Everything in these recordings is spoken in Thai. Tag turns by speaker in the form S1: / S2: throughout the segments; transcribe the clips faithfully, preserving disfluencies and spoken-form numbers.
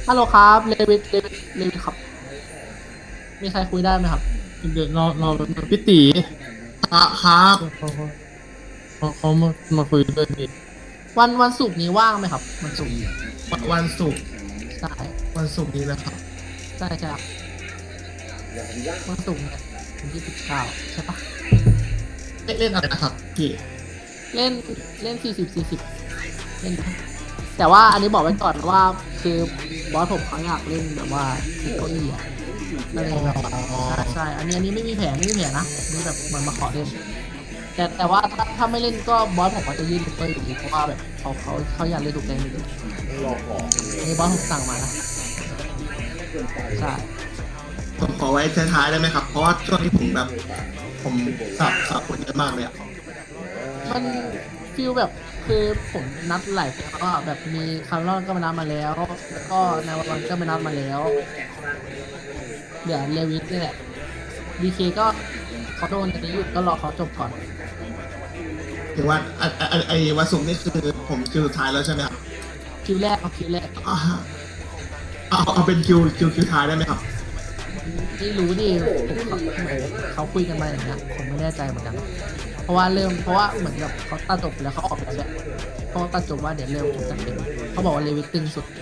S1: ฮัลโหลครับเลวิทเลวิทเลวิทครับมีใครคุยได้ไหมครับ
S2: เดี๋ยวรอรอพี่ตี
S3: ครับครับ
S2: เขาเขาเขาเขามามาคุยด้วยพี่
S1: วันวันศุกร์นี้ว่างไหมครับวันศุกร์
S3: วันวันศุกร์
S1: ใช่
S3: วันศุกร์นี้นะครับ
S1: ใช่ใช่ครับวันศุกร์เนี่ยวันที่สิบเก้าใช่ปะ
S3: เล่นเล่นอะไรนะครับพี่
S1: เล่นเล่นสี่สิบสี่สิบเล่นนะแต่ว่าอันนี้บอกไว้ก่อนว่าคือบอสผมเขาอยากเล่นแบบว่าติดเก้าอี้อะอะไรแบบใช่ใช่อันนี้อันนี้ไม่มีแผนไม่มีแผนนะอันนี่แบบมันมาขอเล่นแต่แต่ว่าถ้าถ้าไม่เล่นก็บอสผมก็จะยื่นเปอร์อยู่ดีเพราะว่าแบบเขาเขาเขาอยากเล่นถูกแดงอยู่ดีอันนี้บอสผมสั่งมานะใช่
S3: ผมขอไว้ท้ายๆได้ไหมครับ เพราะว่าช่วงนี้ผมแบบผมสับสับคนเยอะมากเลยอะ
S1: มันฟีลแบบคือผมนัดหลายคนก็แบบมีคาร์ลอนก็มานัดมาแล้วแล้วก็นายวันก็มานัดมาแล้วเดี๋ยวเลวิสนี่แหละดีเคก็เขาโดนอันนี้หยุดก็รอเขาจบก่อน
S3: ถึงว่าไอ้ไอ้ไอ้วันศุกร์นี่คือผมคิวสุดท้ายแล้วใช่ไหมครับ
S1: คิวแรกเอาคิวแรก
S3: อ่าเอาเอาเป็นคิวคิวคิวท้ายได้ไหมครับ
S1: ไม่รู้ดิผมเขาคุยกันมาอย่างเงี้ยผมไม่แน่ใจเหมือนกันเพราะว่าเริ่มเพราะว่าเหมือนกับเขาตัดจบแล้วเขาออกแล้วแหละเขาตัดจบว่าเดี๋ยวเร็วจะเป็นเขาบอกว่าเลวิสตึงสุด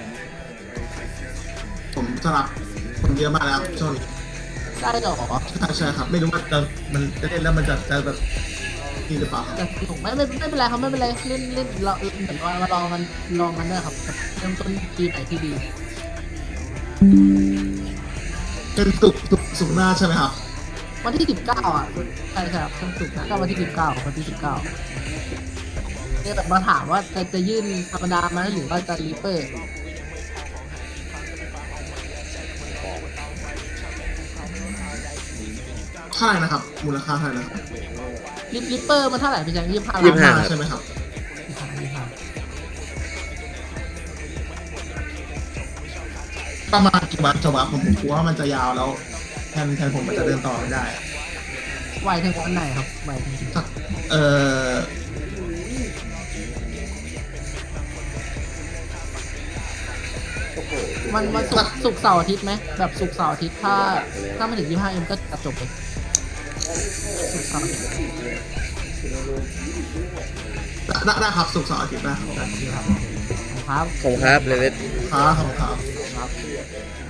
S3: ผมสลับคนเยอะมากแล้วช่วงนี้
S1: ได้หรอ
S3: ใช่ใช่ครับ ไม่รู้ว่าจะมันจะเล่นแล้วมันจะจะแบบนี่หรือเปล่าครับ
S1: แต่สนุกไม่ไม่ไม่เป็นไรครับไม่เป็นไรเล่นเล่นเราเหมือนว่ามาลองกันลองกันด้วยครับเริ่มต้นปีใหม่ที่ดี
S3: เป็นศุกร์ศุกร์ศุกร์หน้าใช่ไหมครับ
S1: วันที่สิบเก้าอ่ะใช่ใช่ครับวันศุกร์นะก็วันที่สิบเก้าวันที่สิบเก้าเนี่ยแบบมาถามว่าจะจะยื่นธรรมดาไหมหรือว่าจะรีเปอร์
S3: เท่าไหร่นะครับ มูลค่าเท่าไหร่นะครับ
S1: ริปริปเปอร์มันเท่าไหร่พี่แจังยี่สิบห้า
S4: ยี่สิบห้า
S3: ใช่ไหมครับ
S1: ยี่สิบห้ายี่สิบห้า
S3: ประมาณกี่วันจบอะผมผมกลัวว่ามันจะยาวแล้วแทนแทนผมมันจะเดินต่อไม่ได้อะ
S1: ไวถึงวันไหนครับไวถึง
S3: สักเออ
S1: มันวันศุกร์ศุกร์เสาร์อาทิตย์ไหมแบบศุกร์เสาร์อาทิตย์ถ้าถ้าไม่ถึงยี่สิบห้าเอ็มก็ตัดจบเลยศุกร์เสาร์อาทิตย์
S3: ได้ได้ครับศุกร์เสาร์อาทิตย์ได้ครับได้
S1: ครับ
S4: ผมครับเลเวส
S3: ครับขอบคุณครับ
S1: ครับ